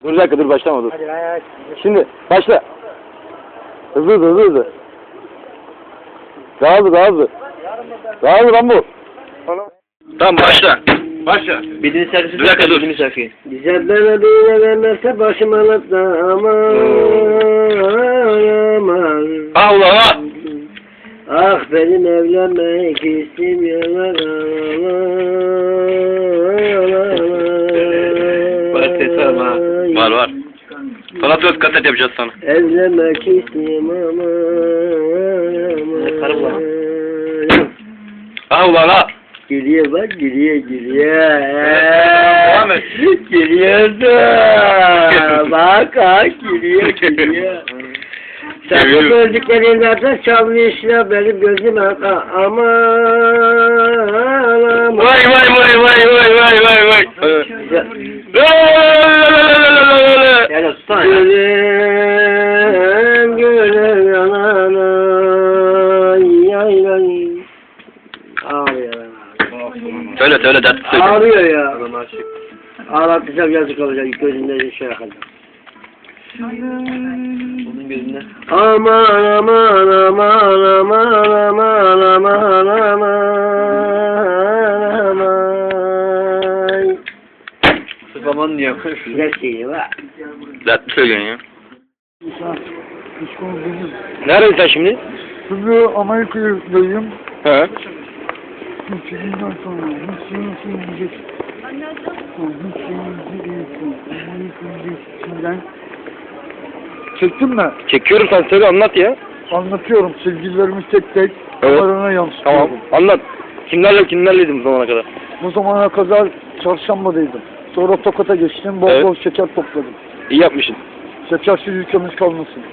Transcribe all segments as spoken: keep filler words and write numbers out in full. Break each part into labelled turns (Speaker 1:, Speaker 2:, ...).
Speaker 1: Dur bir dakika dur başlama dur.
Speaker 2: Hadi hadi.
Speaker 1: Şimdi başla. Hızlı hızlı hızlı hızlı. Daha hızlı daha hızlı. Daha hızlı lan bu. Tamam başla. Başla.
Speaker 2: Birinci şarkısı.
Speaker 1: Bir dakika dur.
Speaker 2: Birinci şarkıyı. Bize bana bir vermezse başım alıp da aman aman.
Speaker 1: Ha ulan ha.
Speaker 2: Ah benim evlenmek istemiyorlar.
Speaker 1: Var ses var mı ha? Var var. Sana söz kaset yapacağız sana.
Speaker 2: Evlenmek istiyorum aman aman.
Speaker 1: Ha ulan ha.
Speaker 2: Geliyor bak geliyor geliyor.
Speaker 1: Devam et.
Speaker 2: Geliyor da. Bak ha geliyor geliyor. Sen bu gördüklerinden çalmıyor işte benim gözüm aman aman.
Speaker 1: Vay vay vay vay vay vay vay vay.
Speaker 2: Yani tutan ya. Gülüm gülüm yanana yay yay. Ağlıyor.
Speaker 1: Söyle söyle dert söyle.
Speaker 2: Ağlıyor ya. Ağlatacağım yazık olacak gözümde şey yakacak.
Speaker 1: Onun gözünde.
Speaker 2: Aman aman aman aman aman aman aman aman.
Speaker 1: Sırf aman diyor.
Speaker 2: Güzel şey var.
Speaker 1: Dert söylüyorsun ya.
Speaker 3: İşkol benim.
Speaker 1: Neredesin sen şimdi?
Speaker 3: Şimdi Amerika'dayım.
Speaker 1: He.
Speaker 3: Üçüncüden sonra hiç şeyinizi yiyecek. Hiç şeyinizi yiyecek. Amerika'nın içinden. Çektin mi?
Speaker 1: Çekiyorum sen söyle anlat ya.
Speaker 3: Anlatıyorum. Sevgililerimi tek tek
Speaker 1: Evet.
Speaker 3: kamerana yansıtıyorum.
Speaker 1: Tamam anlat. Kimlerle kimlerleydin bu zamana kadar?
Speaker 3: Bu zamana kadar çarşambadaydım. Sonra Tokat'a geçtim. Bol
Speaker 1: Evet.
Speaker 3: bol şeker topladım.
Speaker 1: İyi yapmışsın.
Speaker 3: Şekersiz ülkemiz kalmasın.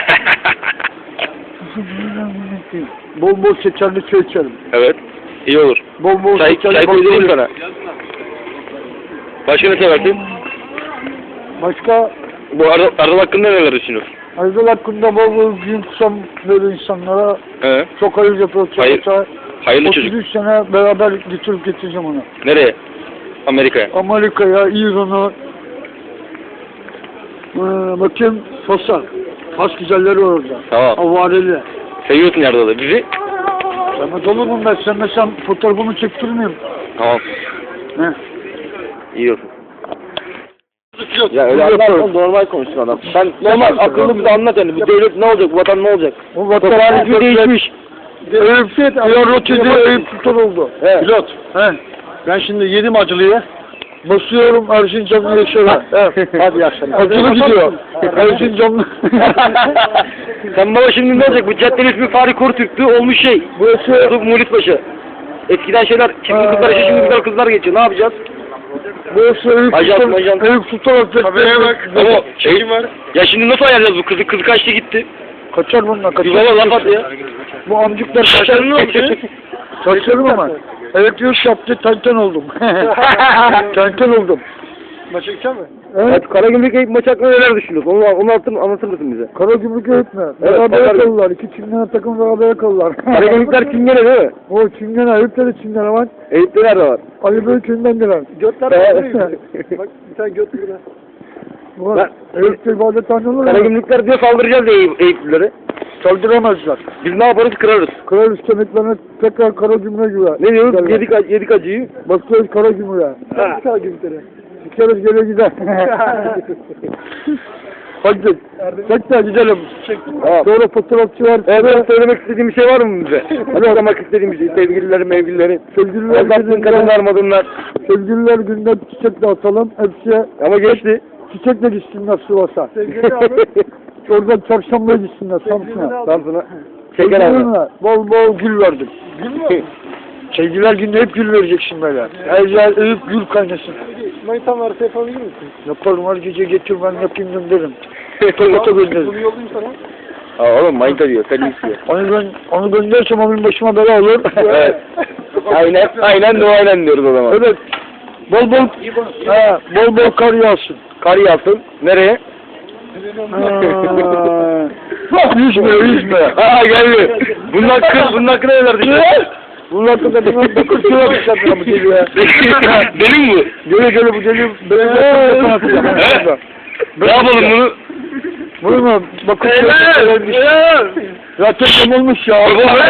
Speaker 3: Bol bol şekerli çay içerim.
Speaker 1: Evet. İyi olur.
Speaker 3: Bol bol
Speaker 1: Çay,
Speaker 3: şekerli
Speaker 1: çay koyayım
Speaker 3: bakıyorum.
Speaker 1: sana. Başka ne seversin?
Speaker 3: Başka
Speaker 1: Bu Erdal, Erdal hakkında neler düşünüyorsun?
Speaker 3: Aydın hakkında bol bol gün kusam böyle insanlara
Speaker 1: He.
Speaker 3: çok hayır yapıyor. Çok
Speaker 1: Hayır.
Speaker 3: hayır.
Speaker 1: Hayırlı çocuk.
Speaker 3: otuz üç sene beraber götürüp getireceğim onu.
Speaker 1: Nereye? Amerika'ya.
Speaker 3: Amerika'ya, İran'a, ee, bakayım Fas'a. Fas güzelleri var orada.
Speaker 1: Tamam.
Speaker 3: Avareli.
Speaker 1: Seviyorsun Erdal'ı. Bizi?
Speaker 3: Sevmez olur mu ben? Sevmesem fotoğrafımı çektirmeyeyim.
Speaker 1: Tamam.
Speaker 3: He.
Speaker 1: İyi olsun. Ya öyle anlatma, normal konuşsun adam. Sen normal akıllı bize anlat yani. Bu devlet ne olacak? Bu vatan ne olacak?
Speaker 3: O vatan
Speaker 1: Toplantısı değişmiş.
Speaker 3: Eyüp Fit, Eyüp Fit, Eyüp Sultan oldu.
Speaker 1: He.
Speaker 3: Pilot. He.
Speaker 1: Ben şimdi yedim acılıyı.
Speaker 3: Basıyorum Erzincanlı yaşara.
Speaker 1: Hadi iyi akşamlar.
Speaker 3: Acılı gidiyor. Erzincanlı.
Speaker 1: Sen baba şimdi ne olacak? Bu caddenin ismi Fahri Kortürk'tü. Olmuş şey.
Speaker 3: Burası
Speaker 1: Bu Muhlit Paşa. Eskiden şeyler, çirkin kızlar yaşıyor, şimdi güzel kızlar geçiyor. Ne yapacağız?
Speaker 3: Burası Eyüp
Speaker 1: Ajan,
Speaker 3: Sultan.
Speaker 1: ajan.
Speaker 3: Eyüp Sultan Hazretleri.
Speaker 1: bak. Ama şey var. Ya şimdi nasıl ayarlayacağız bu kızı? Kızı kaçtı gitti.
Speaker 3: Kaçar bunlar kaçar.
Speaker 1: Bir baba laf at ya.
Speaker 3: Bu amcuklar
Speaker 1: Saçların ne olmuş?
Speaker 3: Saçlarım ama. Elektrik yaptı, tenten oldum. Tenten oldum.
Speaker 1: Maça gidecek mi?
Speaker 3: Evet.
Speaker 1: Evet, Karagümrük Eyüp maçı hakkında neler düşünüyorsun? Onu, onu anlatır, anlatır mısın bize?
Speaker 3: Karagümrük öğretmen.
Speaker 1: Evet,
Speaker 3: Beraber
Speaker 1: Karagümrük.
Speaker 3: kalırlar. İki çingene takım beraber kalırlar.
Speaker 1: Karagümrükler Çingene değil mi?
Speaker 3: O çingene, Eyüp'te de çingene var.
Speaker 1: Eyüp'te nerede var?
Speaker 3: Ali Bey'köy'ündendiler.
Speaker 1: Götler
Speaker 3: Evet.
Speaker 1: Bak bir tane göt burada.
Speaker 3: Bu
Speaker 1: Ben-
Speaker 3: Eyüp'te ibadethane olur mu?
Speaker 1: Karagümrükler diye saldıracağız diye Eyüp, Eyüplülere.
Speaker 3: Saldıramazlar.
Speaker 1: Biz ne yaparız? Kırarız.
Speaker 3: Kraliç kemiklerine tekrar Karagümrük'e güver.
Speaker 1: Ne diyoruz?
Speaker 3: Derler.
Speaker 1: Yedik, ac- yedik acıyı.
Speaker 3: Bakıyoruz Karagümrük'e.
Speaker 1: Ha.
Speaker 3: Karagümrük'e. Sikeriz geri gider. Hadi. Tekrar gidelim.
Speaker 1: Tamam.
Speaker 3: Sonra fotoğrafçı var.
Speaker 1: Evet, söylemek istediğim bir şey var mı bize? Hadi aramak istediğim bir şey. Sevgililerim, mevgililerim.
Speaker 3: Sevgililer
Speaker 1: Aldattığın kadınlar, madınlar.
Speaker 3: Sevgililer günde çiçek dağıtalım. Hepsiye
Speaker 1: Ama geçti.
Speaker 3: çiçekle gitsinler Sivas'a. Oradan çarşambaya gitsinler Samsun'a.
Speaker 1: Samsun'a. Şeker aldı.
Speaker 3: Sevgililerine bol bol gül verdim.
Speaker 1: Gül mü?
Speaker 3: Sevgililer günde hep gül vereceksin böyle. Her yer övüp gül kaynasın.
Speaker 1: Manitan varsa yapabilir misin?
Speaker 3: Yaparım her gece getir ben yapayım gönderirim. Tokat'a gönderirim.
Speaker 1: Bunu yollayayım sana. Aa oğlum manita diyor, sen istiyor.
Speaker 3: Onu, ben, onu gönderirsem onun başıma bela olur.
Speaker 1: Evet. Aynen, aynen de o aynen diyoruz o zaman.
Speaker 3: Evet. Bol bol, ha, bol bol kar yağsın.
Speaker 1: Kar yağsın. Nereye?
Speaker 3: Ha, yüzme, yüzme.
Speaker 1: Aa geldi. Bunun hakkı, bunun hakkında neler düşünüyorsun?
Speaker 3: Bunun hakkında bunun bakır suya bakışlar bu deli ya.
Speaker 1: Deli mi bu?
Speaker 3: Gele gele bu deli. Böyle
Speaker 1: He? Ne yapalım bunu?
Speaker 3: Vurma. Bakın.
Speaker 2: Helal. Helal.
Speaker 3: Zaten yamulmuş ya.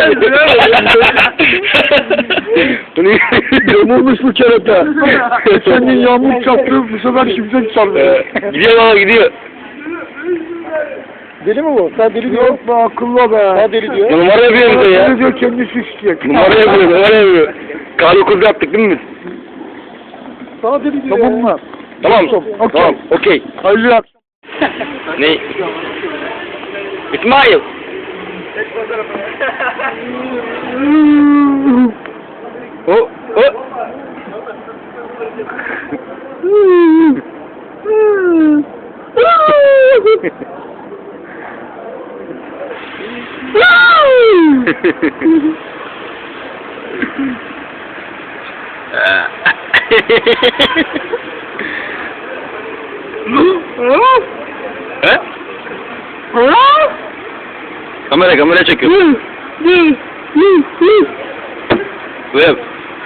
Speaker 3: Yamulmuş bu kerata. Geçen gün yağmur çarptı. Bu sefer şimşek çarptı.
Speaker 1: Gidiyor baba gidiyor.
Speaker 3: Deli mi bu? Sen deli diyor. Yok be akıllı be. Sen deli diyor.
Speaker 1: Numara yapıyor bize ya.
Speaker 3: Deli diyor kendisi isteyecek.
Speaker 1: Numara yapıyor, numara yapıyor. Kar dokuz yaptık değil mi biz?
Speaker 3: Sana deli diyor. Tamam mı?
Speaker 1: Tamam,
Speaker 3: Okey.
Speaker 1: tamam, okey.
Speaker 3: Hayırlı akşam.
Speaker 1: Ne? İsmail. O, o. He? Kamera kamera çekiyor. Web.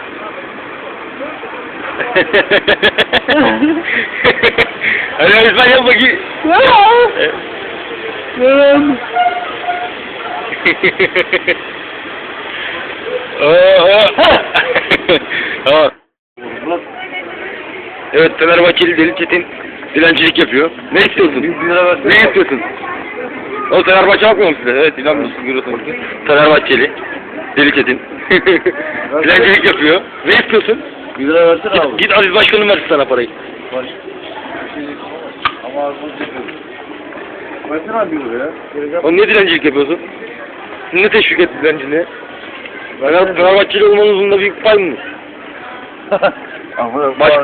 Speaker 1: Hadi İsmail yap bakayım. Tamam. Evet, Fenerbahçeli Deli Çetin dilencilik yapıyor. Ne istiyorsun? Ne istiyorsun? O Fenerbahçe bakmıyor mu size? Evet, ilan mısın görüyorsunuz. Fenerbahçeli Deli Çetin dilencilik yapıyor. Ne istiyorsun?
Speaker 4: Bir lira versene
Speaker 1: Git,
Speaker 4: abi.
Speaker 1: git Aziz Başkanım versin sana parayı.
Speaker 4: Baş. Ama az önce versene abi bir lira ya.
Speaker 1: Oğlum niye dilencilik yapıyorsun? Siz ne teşvik etti dilenciliğe? Fener, Fenerbahçeli olmanızın da büyük pay mı?
Speaker 4: Ama
Speaker 1: Baş...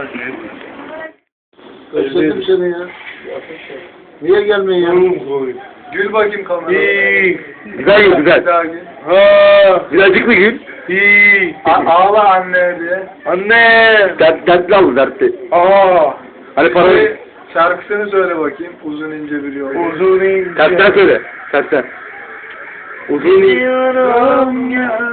Speaker 4: Özledim seni ya. Niye gelmiyorsun? Gül bakayım kameraya.
Speaker 1: Güzel gül, güzel.
Speaker 4: Ha.
Speaker 1: Birazcık mı gül?
Speaker 4: Ağla anne diye. Anne.
Speaker 1: Dert, dertli al, dertli.
Speaker 4: Aa.
Speaker 1: Hani parayı...
Speaker 4: Şarkısını söyle bakayım. Uzun ince bir yol. Uzun ince.
Speaker 1: Tersten söyle, tersten. Uzun iyi.
Speaker 2: Yaşıyorum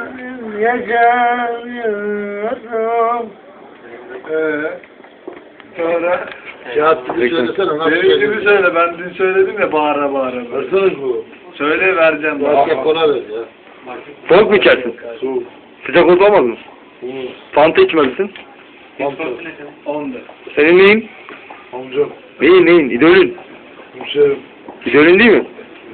Speaker 2: yaşıyorum.
Speaker 4: Eee. Sonra.
Speaker 3: Kağıt gibi söylesene. Nasıl
Speaker 4: Benim gibi söyle. Ben dün söyledim ya bağıra bağıra.
Speaker 3: Versene bu.
Speaker 4: Söyle vereceğim.
Speaker 3: Başka kola ver ya.
Speaker 1: Soğuk mu içersin?
Speaker 3: Soğuk.
Speaker 1: Sıcak oldu olmaz mı? Fanta içmelisin.
Speaker 4: On da.
Speaker 1: Senin neyin?
Speaker 3: Amcam.
Speaker 1: Neyin neyin? İdolün.
Speaker 3: Hemşerim.
Speaker 1: İdolün değil mi?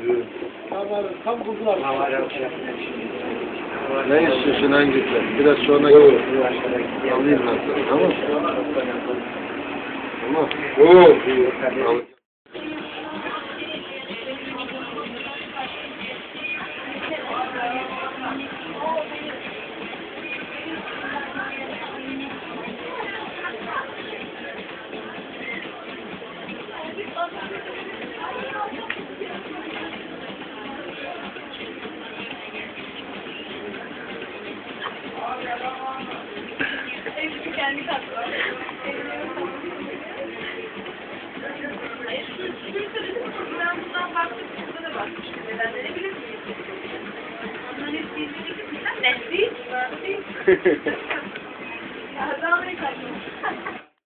Speaker 3: Ne istiyorsun hangisi? Biraz sonra gel. Alayım ben sana. Tamam mı? Tamam. Oo. Al.
Speaker 5: Kendi tatlı. Ben bundan farklı bir kısmına da bakmıştım. Nedenleri bilir miyim? Onların hepsi izledik. Net değil.